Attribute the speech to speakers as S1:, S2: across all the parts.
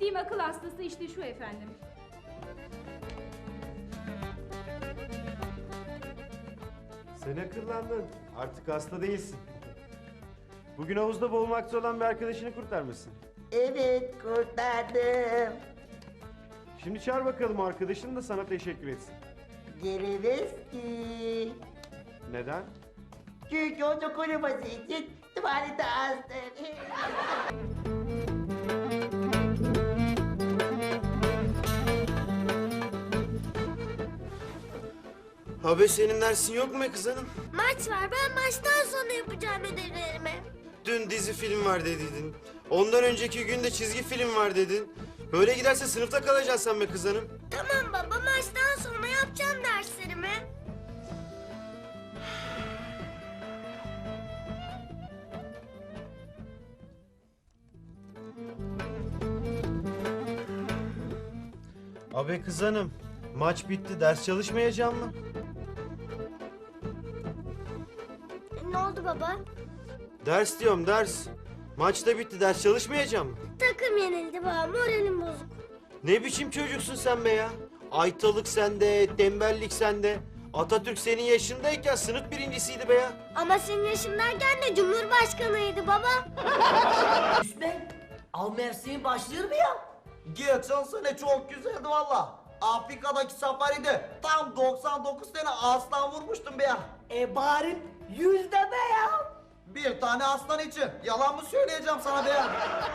S1: bahsettiğim akıl hastası işte şu efendim.
S2: Sen akıllandın. Artık hasta değilsin. Bugün havuzda boğulmakta olan bir arkadaşını kurtarmışsın.
S3: Evet, kurtardım.
S2: Şimdi çağır bakalım arkadaşın da sana teşekkür etsin.
S3: Gelemez ki.
S2: Neden?
S3: Çünkü onu koruması için tuvalete astım.
S2: Abi senin dersin yok mu be kız hanım?
S4: Maç var. Ben maçtan sonra yapacağım ödevlerimi.
S2: Dün dizi film var dediydin. Ondan önceki gün de çizgi film var dedin. Böyle giderse sınıfta kalacaksın sen be kız hanım.
S4: Tamam baba, maçtan sonra yapacağım derslerimi.
S2: Abi kız hanım, maç bitti, ders çalışmayacağım mı?
S4: Ne oldu baba?
S2: Ders diyorum, ders. Maç da bitti, ders çalışmayacağım mı?
S4: Takım yenildi baba, moralim bozuk.
S2: Ne biçim çocuksun sen be ya? Aytalık sende, tembellik sende. Atatürk senin yaşındayken sınıf birincisiydi be ya.
S4: Ama senin yaşındayken de Cumhurbaşkanıydı baba.
S3: Üsmen, av mevsimi başlıyor mu ya? Geçen sene çok güzeldi valla. Afrika'daki safaride tam 99 tane aslan vurmuştum be ya. Bari 100 de be ya. Bir tane aslan için yalan mı söyleyeceğim sana be ya?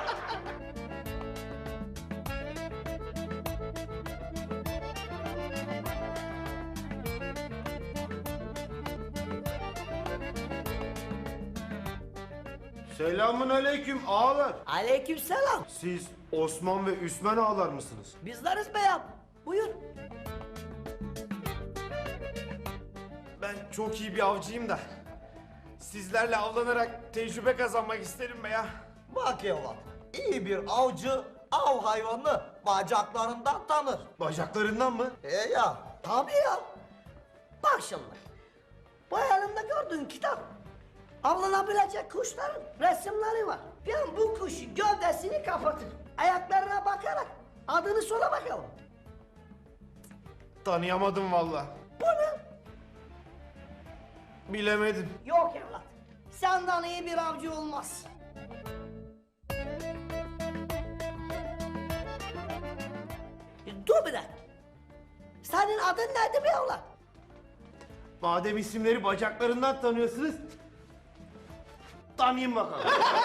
S2: Selamun aleyküm ağalar.
S3: Aleykümselam.
S2: Siz Osman ve Üsmen ağalar mısınız?
S3: Bizleriz be ya. Buyur.
S2: Ben çok iyi bir avcıyım da. Sizlerle avlanarak tecrübe kazanmak isterim be ya.
S3: Bak evlat, iyi bir avcı av hayvanını bacaklarından tanır.
S2: Bacaklarından mı?
S3: Ya, tabii ya. Bak şimdi, bu elimde gördüğün kitap, avlanabilecek kuşların resimleri var. Ben bu kuşu gövdesini kapatır, ayaklarına bakarak adını sora bakalım.
S2: Tanıyamadım valla.
S3: Bu ne?
S2: Bilemedim.
S3: Yok evlat, senden iyi bir avcı olmaz. Dur bir dakika. Senin adın neydi be evlat?
S2: Madem isimleri bacaklarından tanıyorsunuz, tanıyın bakalım.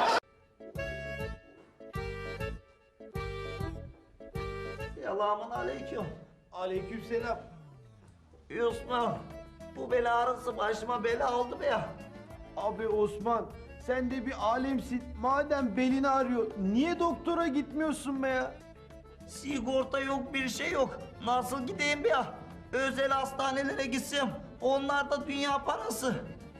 S3: Selamun aleyküm.
S2: Aleykümselam.
S3: Osman, bu bela arası başıma bela oldu be ya.
S5: Abi Osman, sen de bir alemsin. Madem belini ağrıyor, niye doktora gitmiyorsun be ya?
S3: Sigorta yok, bir şey yok. Nasıl gideyim be ya? Özel hastanelere gitsem, onlar da dünya parası.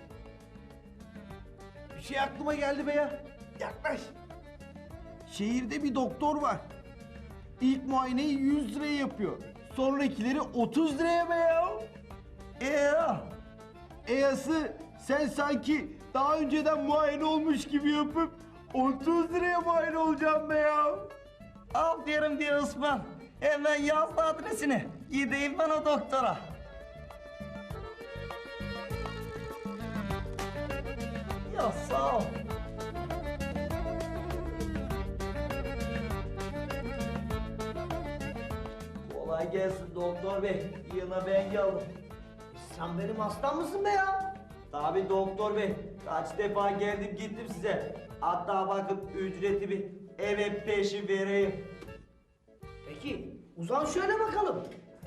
S5: Bir şey aklıma geldi be ya. Yaklaş. Şehirde bir doktor var. İlk muayeneyi 100 liraya yapıyor. Sonrakileri 30 liraya be ya.
S3: Ya,
S5: Eyası sen sanki daha önceden muayene olmuş gibi yapıp 30 liraya muayene olacaksın be ya.
S3: aferin diye Osman. Hemen yaz da adresini. Gideyim ben o doktora. Ya sağ ol. Kolay gelsin doktor bey. Yine ben geldim. Sen benim hastam mısın be ya? Tabii doktor bey. Kaç defa geldim gittim size. Hatta bakıp ücretimi eve peşin vereyim. Peki uzan şöyle bakalım.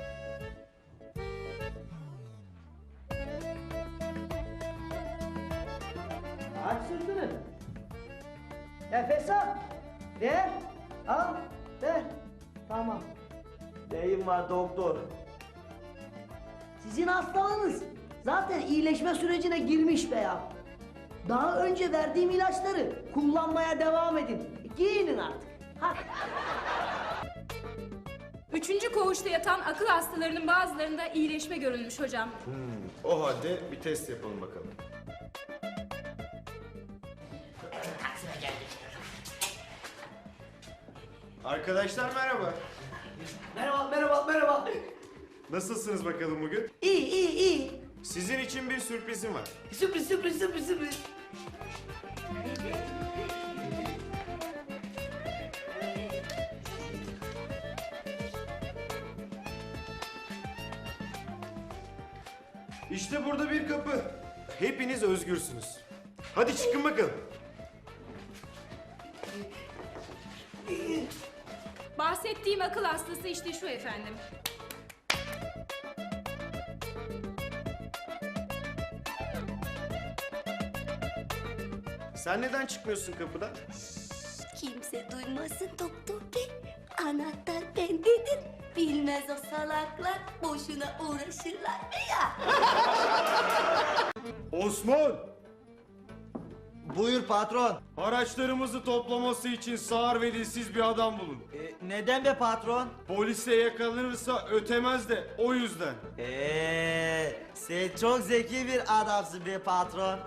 S3: Aç sırtını. Nefes al. Ver. Al. Ver. Tamam. Neyim var doktor?
S6: Sizin hastalığınız zaten iyileşme sürecine girmiş be ya. Daha önce verdiğim ilaçları kullanmaya devam edin. Giyinin artık. Hadi.
S1: Üçüncü koğuşta yatan akıl hastalarının bazılarında iyileşme görülmüş hocam.
S2: O halde bir test yapalım bakalım. Arkadaşlar merhaba.
S3: Merhaba.
S2: Nasılsınız bakalım bugün?
S6: İyi.
S2: Sizin için bir sürprizim var.
S6: Sürpriz.
S2: İşte burada bir kapı. Hepiniz özgürsünüz. Hadi çıkın bakalım.
S1: Bahsettiğim akıl hastası işte şu efendim.
S2: Sen neden çıkmıyorsun kapıdan?
S4: Kimse duymasın doktor bey. Anahtar bendedir. Bilmez o salaklar. Boşuna uğraşırlar mı ya?
S2: Osman!
S3: Buyur patron.
S2: Araçlarımızı toplaması için sağır ve dilsiz bir adam bulun.
S3: Neden be patron?
S2: Polise yakalanırsa ötemez de o yüzden.
S3: Sen çok zeki bir adamsın be patron.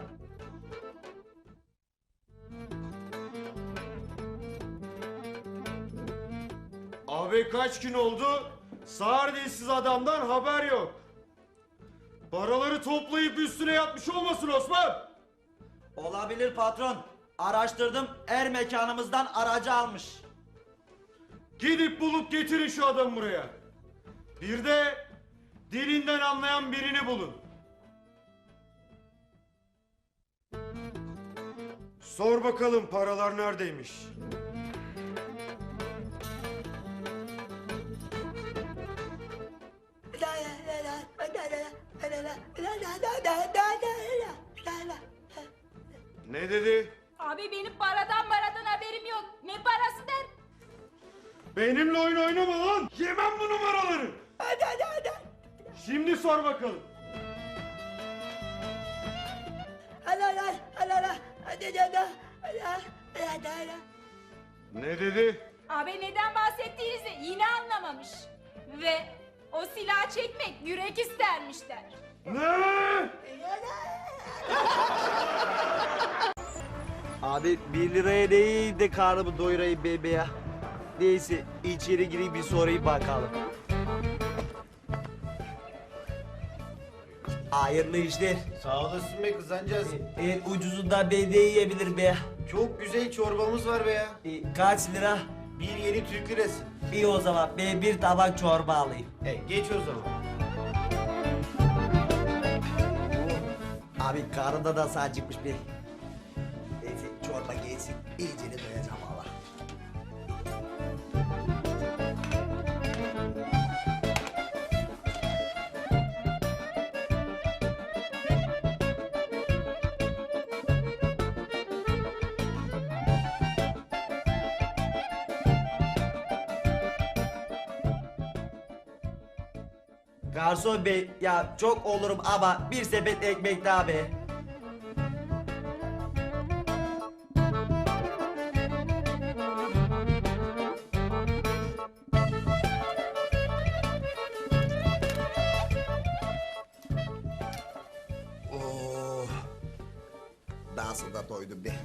S2: Abi kaç gün oldu? Sağır dilsiz adamdan haber yok. Paraları toplayıp üstüne yatmış olmasın Osman?
S3: Olabilir patron. Araştırdım, er mekanımızdan aracı almış.
S2: Gidip bulup getirin şu adamı buraya. Bir de dilinden anlayan birini bulun. Sor bakalım paralar neredeymiş? Ne dedi?
S1: Abi benim paradan haberim yok. Ne parası der?
S2: Benimle oyun oynama lan! Yemem bu numaraları! Şimdi sor bakalım. Ne dedi?
S1: Abi neden bahsettiğinizi yine anlamamış. Ve o silah çekmek yürek istermiş der.
S2: Ne?
S3: Abi 1 liraya değil de karnımı doyurayım bebe ya. Neyse içeri gireyim bir sorayım bakalım. Hayırlı işler.
S2: Sağ olasın be kızancağız.
S3: En ucuzundan ben de yiyebilir be.
S2: Çok güzel çorbamız var be ya.
S3: Kaç lira?
S2: Bir yeni Türk lirası.
S3: İyi o zaman ben bir tabak çorba alayım.
S2: Geç o zaman.
S3: Abi karnında da acıkmış be. Neyse çorba gelsin. İyice de doyacağım valla. Garson bey ya çok olurum ama bir sepet ekmek daha be. Oh, nasıl da doydum be.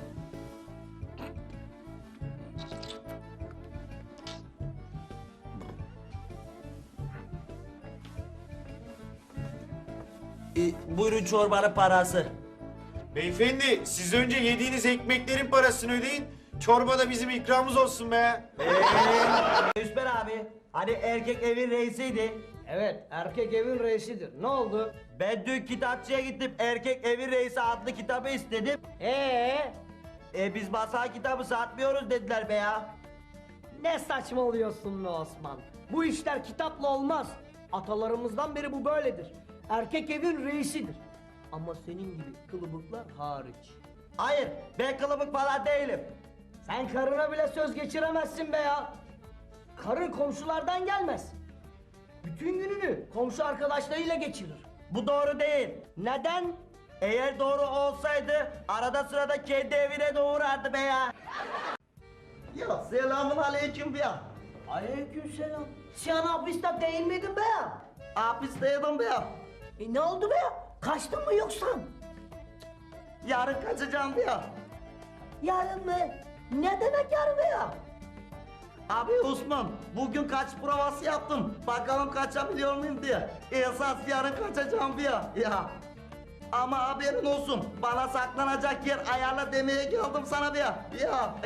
S3: Buyurun çorbanın parası.
S2: Beyefendi siz önce yediğiniz ekmeklerin parasını ödeyin. Çorba da bizim ikramımız olsun be.
S3: Üsper abi, hani erkek evin reisiydi.
S6: Evet, erkek evin reisidir. Ne oldu?
S3: Ben dün kitapçıya gittim, erkek evin reisi adlı kitabı istedim. Biz masal kitabı satmıyoruz dediler be ya.
S6: Ne saçmalıyorsun be Osman? Bu işler kitapla olmaz. Atalarımızdan beri bu böyledir. Erkek evin reisidir. Ama senin gibi kılıbıklar hariç.
S3: Hayır, ben kılıbık falan değilim.
S6: Sen karına bile söz geçiremezsin be ya. Karın komşulardan gelmez. Bütün gününü komşu arkadaşlarıyla geçirir.
S3: Bu doğru değil.
S6: Neden?
S3: Eğer doğru olsaydı arada sırada kendi evine de uğrardı be ya. Ya selamun aleyküm be ya.
S6: Aleykümselam. Sen hapiste değil miydin be ya?
S3: Hapisteydim be ya.
S6: Ne oldu be ya? Kaçtın mı yoksa?
S3: Yarın kaçacağım be ya.
S6: Yarın mı? Ne demek yarın be ya?
S3: Abi Osman, bugün kaç provası yaptım. Bakalım kaçabiliyor muyum diye. Esas yarın kaçacağım diye. Ya. Ama haberin olsun, bana saklanacak yer ayarla demeye geldim sana bir. Ya.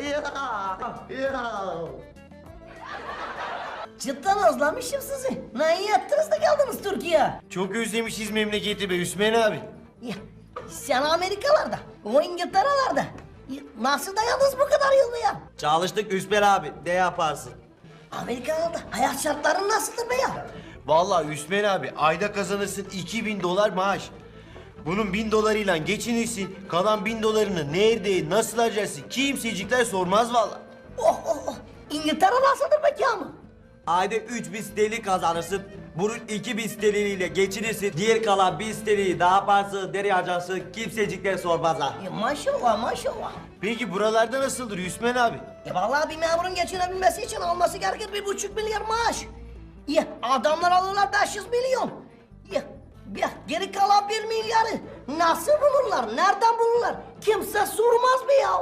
S7: Cidden özlemişim sizi. Ne iyi ettiniz de geldiniz Türkiye.
S2: Çok özlemişiz memleketi be Hüsmen abi.
S7: Ya, sen Amerikalarda, o İngiltere'lerde. Ya, nasıl dayandınız bu kadar yıl be ya?
S3: Çalıştık Üsper abi, ne yaparsın?
S7: Amerikalarda hayat şartları nasıldır be ya?
S2: Vallahi Hüsmen abi ayda kazanırsın 2000 dolar maaş. Bunun 1000 dolarıyla geçinirsin. Kalan 1000 dolarını nerede, nasıl harcarsın kimsecikler sormaz vallahi.
S7: Oh oh oh. İngiltere nasıldır peki ama?
S3: Ayda 3000 sterlin kazanırsın. Bunun 2000 sterliniyle geçinirsin. Diğer kalan 1000 sterlini daha yaparsın, nereye harcarsın kimsecikler sormaz ha.
S7: Ya, maşallah maşallah.
S2: Peki buralarda nasıldır Hüsmen abi?
S7: Vallahi bir memurun geçinebilmesi için alması gerekir 1,5 milyar maaş. Ya adamlar alırlar 500 milyon. Ya geri kalan 1 milyarı nasıl bulurlar? Nereden bulurlar? Kimse sormaz be ya.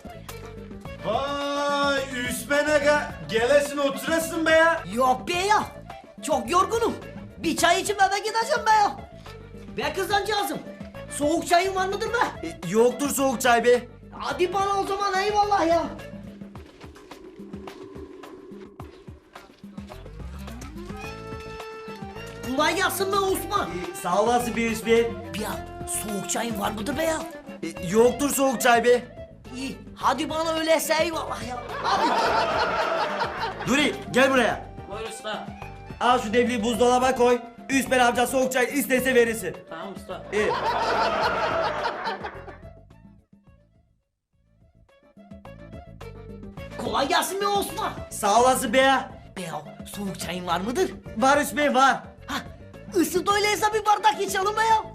S2: Vay Hüsmen aga gelesin oturasın be ya.
S7: Yok be ya. Çok yorgunum. Bir çay içip eve gideceğim be ya. Be kızancağızım. Soğuk çayın var mıdır be?
S3: Yoktur soğuk çay be.
S7: Hadi bana o zaman eyvallah ya. Kolay gelsin be Osman.
S3: Sağ olasın bir Üsper.
S7: Ya soğuk çayın var mıdır be ya?
S3: Yoktur soğuk çay be.
S7: İyi hadi bana öyleyse eyvallah ya. Hadi.
S3: Duri gel buraya.
S8: Buyur usta.
S3: Al şu devliği buzdolaba koy. Üsper amca soğuk çay istese verirsin.
S8: Tamam usta.
S3: İyi.
S7: Kolay gelsin be Osman.
S3: Sağ olasın be ya.
S7: Be ya soğuk çayın var mıdır?
S3: Var Üsper var.
S7: Ha ısıt öyleyse bir bardak içelim be ya.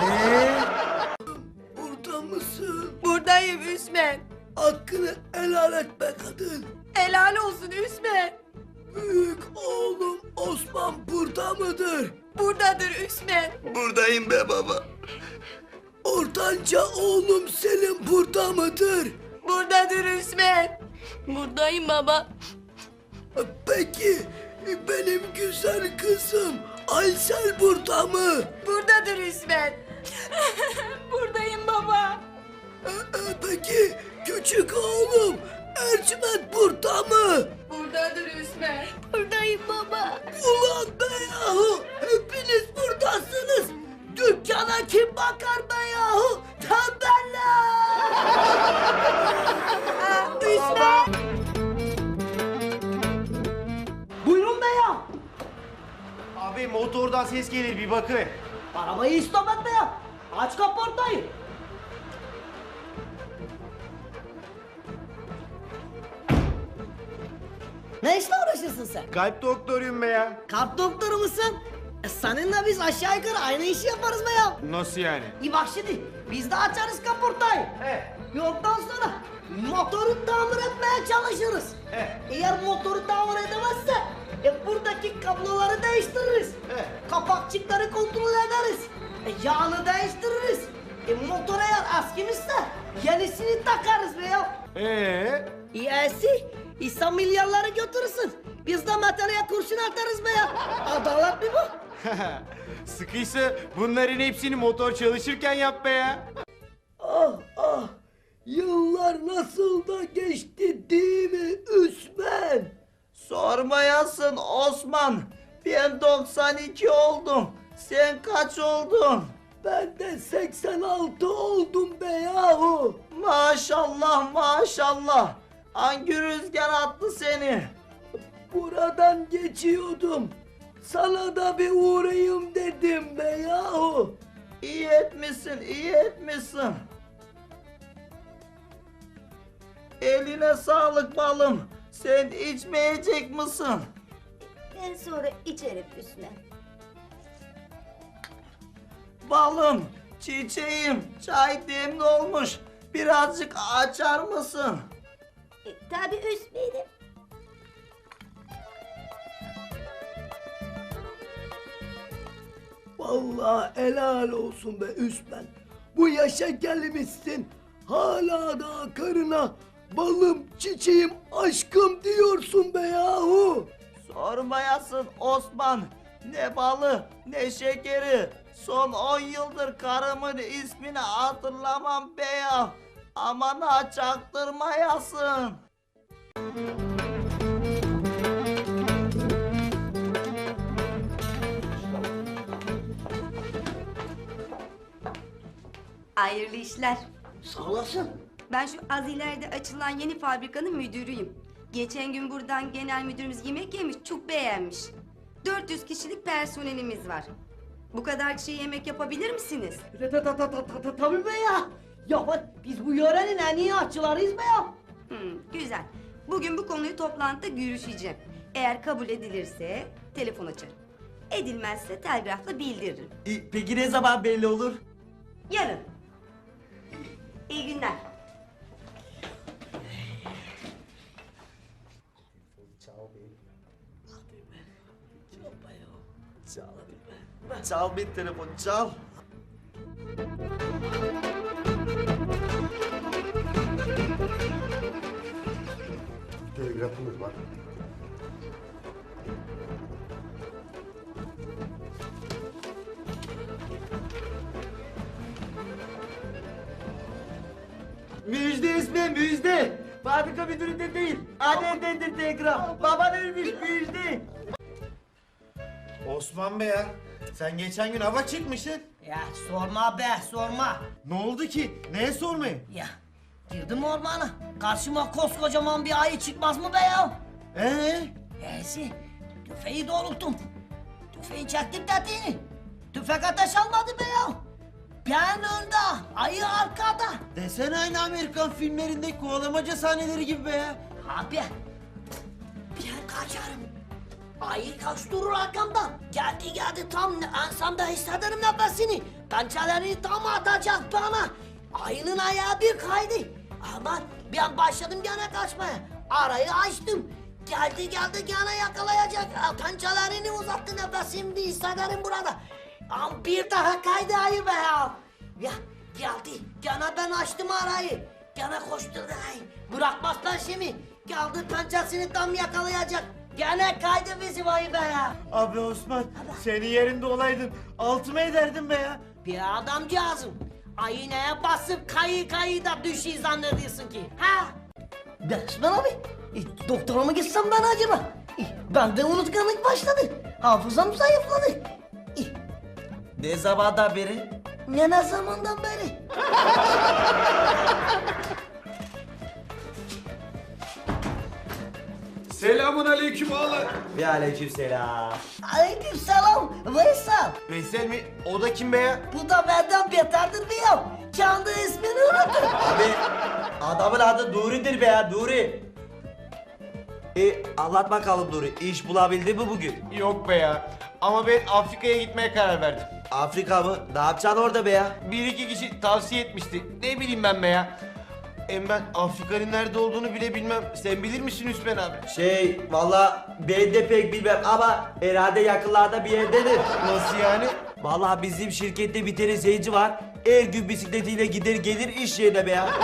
S5: Burada mısın?
S1: Buradayım Üsmen.
S5: Hakkını helal et be kadın.
S1: Helal olsun Üsmen.
S5: Büyük oğlum Osman burada mıdır?
S1: Buradadır Üsmen.
S5: Buradayım be baba. Ortanca oğlum Selim burada mıdır?
S1: Buradadır Üsmen.
S9: Buradayım baba.
S5: Peki benim güzel kızım Aysel burada mı?
S1: Buradadır Üsmen. Buradayım baba.
S5: Peki küçük oğlum Ercüment burada mı?
S1: Buradadır Üsmen.
S9: Buradayım baba.
S5: Ulan be yahu hepiniz buradasınız. Dükkana kim bakar be yahu? Tembeller!
S1: Üsmen.
S7: Buyurun be ya.
S2: Abi motordan ses gelir bir bakın.
S7: Arabayı istop etme ya. Aç kaportayı. Ne işle uğraşırsın sen?
S2: Kalp doktoruyum be ya.
S7: Kalp doktoru musun? Seninle biz aşağı yukarı aynı işi yaparız be ya.
S2: Nasıl yani?
S7: İyi bak şimdi biz de açarız kaportayı. Yoldan sonra motoru tamir etmeye çalışırız. Eğer motoru tamir edemezse buradaki kabloları değiştiririz. Kapakçıkları kontrol ederiz. Yağını değiştiririz. Motor eğer eskimişse yenisini takarız be ya. İyisi İsa milyarları götürürsün. Biz de metaleye kurşun atarız be ya. Adalet mi bu?
S2: Sıkıysa bunların hepsini motor çalışırken yap be ya.
S5: Ah ah yıllar nasıl da geçti değil mi Üsmen?
S3: Sormayasın Osman. Ben 92 oldum. Sen kaç oldun?
S5: Ben de 86 oldum be yahu.
S3: Maşallah maşallah. Hangi rüzgar attı seni?
S5: Buradan geçiyordum. Sana da bir uğrayayım dedim be yahu.
S3: İyi etmişsin, iyi etmişsin. Eline sağlık balım. Sen içmeyecek misin?
S4: Ben sonra içerim Üsmen.
S3: Balım, çiçeğim, çay demli olmuş. Birazcık açar mısın?
S4: Tabii Üsmen'im.
S5: Vallahi helal olsun be Üsmen. Bu yaşa gelmişsin. Hala da karına balım, çiçeğim, aşkım diyorsun be yahu?
S3: Sormayasın Osman. Ne balı ne şekeri. Son 10 yıldır karımın ismini hatırlamam be ya. Aman ha çaktırmayasın.
S8: Hayırlı işler.
S7: Sağ olasın.
S8: Ben şu az ileride açılan yeni fabrikanın müdürüyüm. Geçen gün buradan genel müdürümüz yemek yemiş, çok beğenmiş. 400 kişilik personelimiz var. Bu kadar kişiye yemek yapabilir misiniz?
S7: Tabii be ya. Ya bak biz bu yörenin en iyi aşçılarıyız be ya.
S8: Güzel. Bugün bu konuyu toplantıda görüşeceğim. Eğer kabul edilirse telefon açarım. Edilmezse telgrafla bildiririm.
S3: Peki ne zaman belli olur?
S8: Yarın. İyi günler.
S3: Çal bir telefon çal.
S2: Telgrafımız var.
S3: Müjde ismi müjde. Fabrika müdüründen değil. Annemdendir telgraf. Baban ölmüş müjde.
S2: Osman Bey ya, sen geçen gün hava çıkmışsın.
S7: Ya sorma be sorma.
S2: Ne oldu ki? Neye sormayın?
S7: Ya girdim ormana. Karşıma koskocaman bir ayı çıkmaz mı be ya? Neyse tüfeği doğrulttum. Tüfeği çektim tetiğini. Tüfek ateş almadı be ya. Ben önde, ayı arkada.
S2: Desene aynı Amerikan filmlerindeki kovalamaca sahneleri gibi be ya.
S7: Abi ben kaçarım. Ayı kaçtırır arkamdan. Geldi tam ensemde hissederim nefesini. Pençelerini tam atacak bana. Ayının ayağı bir kaydı. Aman ben başladım gene kaçmaya. Arayı açtım. Geldi gene yakalayacak. Pençelerini uzattı nefesimi hissederim burada. Ama bir daha kaydı ayı be ya. Ya geldi. Gene ben açtım arayı. Gene koşturdu ayı. Bırakmaz peşimi. Geldi pençesini tam yakalayacak. Gene kaydı bizim ayı be ya.
S2: Abi Osman, senin yerinde olaydım. Altıma ederdim be ya.
S7: Bir adamcağızım. Ayı neye basıp kayı da düşüyor zannediyorsun ki? Ha? Osman abi. Doktora mı gitsem ben acaba? Bende unutkanlık başladı. Hafızam zayıfladı.
S3: Ne zamandan beri?
S7: Ne zamandan beri?
S5: Selamun aleyküm ağalar.
S3: Ve aleykümselam.
S7: Aleykümselam Veysel.
S2: Veysel mi? O da kim be ya?
S7: Bu da benden beterdir bir ya. Kendi ismini unuttu.
S3: Abi adamın adı Nuri'dir be ya Nuri. Anlat bakalım Nuri. İş bulabildin mi bugün?
S2: Yok be ya. Ama ben Afrika'ya gitmeye karar verdim.
S3: Afrika mı? Ne yapacaksın orada be ya?
S2: Bir iki kişi tavsiye etmişti. Ne bileyim ben be ya. Hem ben Afrika'nın nerede olduğunu bile bilmem. Sen bilir misin Hüsmen abi?
S3: Valla ben de pek bilmem ama herhalde yakınlarda bir yerdedir.
S2: Nasıl yani?
S3: Valla bizim şirkette bir tane zenci var. Her gün bisikletiyle gider gelir iş yerine be ya.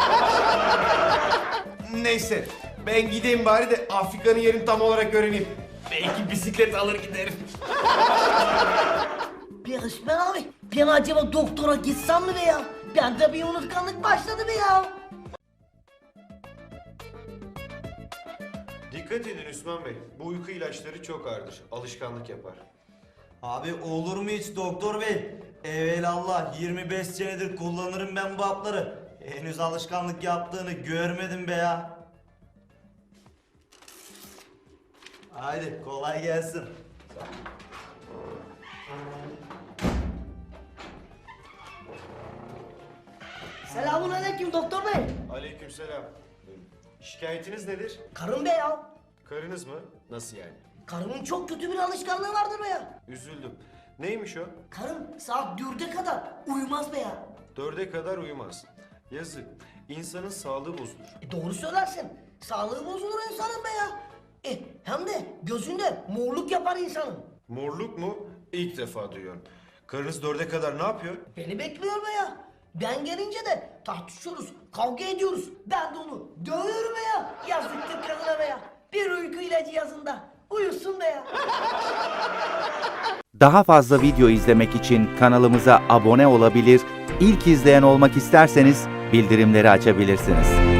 S2: Neyse. Ben gideyim bari de Afrika'nın yerini tam olarak öğreneyim. Belki bisiklet alır giderim.
S7: Bir Osman abi. Ben acaba doktora gitsem mi be ya? Bende bir unutkanlık başladı be ya.
S2: Dikkat edin Hüsmen Bey. Bu uyku ilaçları çok ağırdır. Alışkanlık yapar.
S3: Abi olur mu hiç doktor bey? Evelallah 25 senedir kullanırım ben bu hapları. Henüz alışkanlık yaptığını görmedim be ya. Haydi kolay gelsin.
S7: Selamun aleyküm doktor bey.
S2: Aleykümselam. Şikayetiniz nedir?
S7: Karım be ya.
S2: Karınız mı? Nasıl yani?
S7: Karımın çok kötü bir alışkanlığı vardır be ya.
S2: Üzüldüm. Neymiş o?
S7: Karım saat 4'e kadar uyumaz be ya.
S2: 4'e kadar uyumaz. Yazık. İnsanın sağlığı bozulur.
S7: Doğru söylersin. Sağlığı bozulur insanın be ya. Hem de gözünde morluk yapar insanın.
S2: Morluk mu? İlk defa duyuyorum. Karınız 4'e kadar ne yapıyor?
S7: Beni bekliyor be ya. Ben gelince de tartışıyoruz, kavga ediyoruz. Ben de onu dövüyorum be ya. Yazıktır kadına be ya. Bir uyku ilacı yazında. Uyusun be ya.
S10: Daha fazla video izlemek için kanalımıza abone olabilir, ilk izleyen olmak isterseniz bildirimleri açabilirsiniz.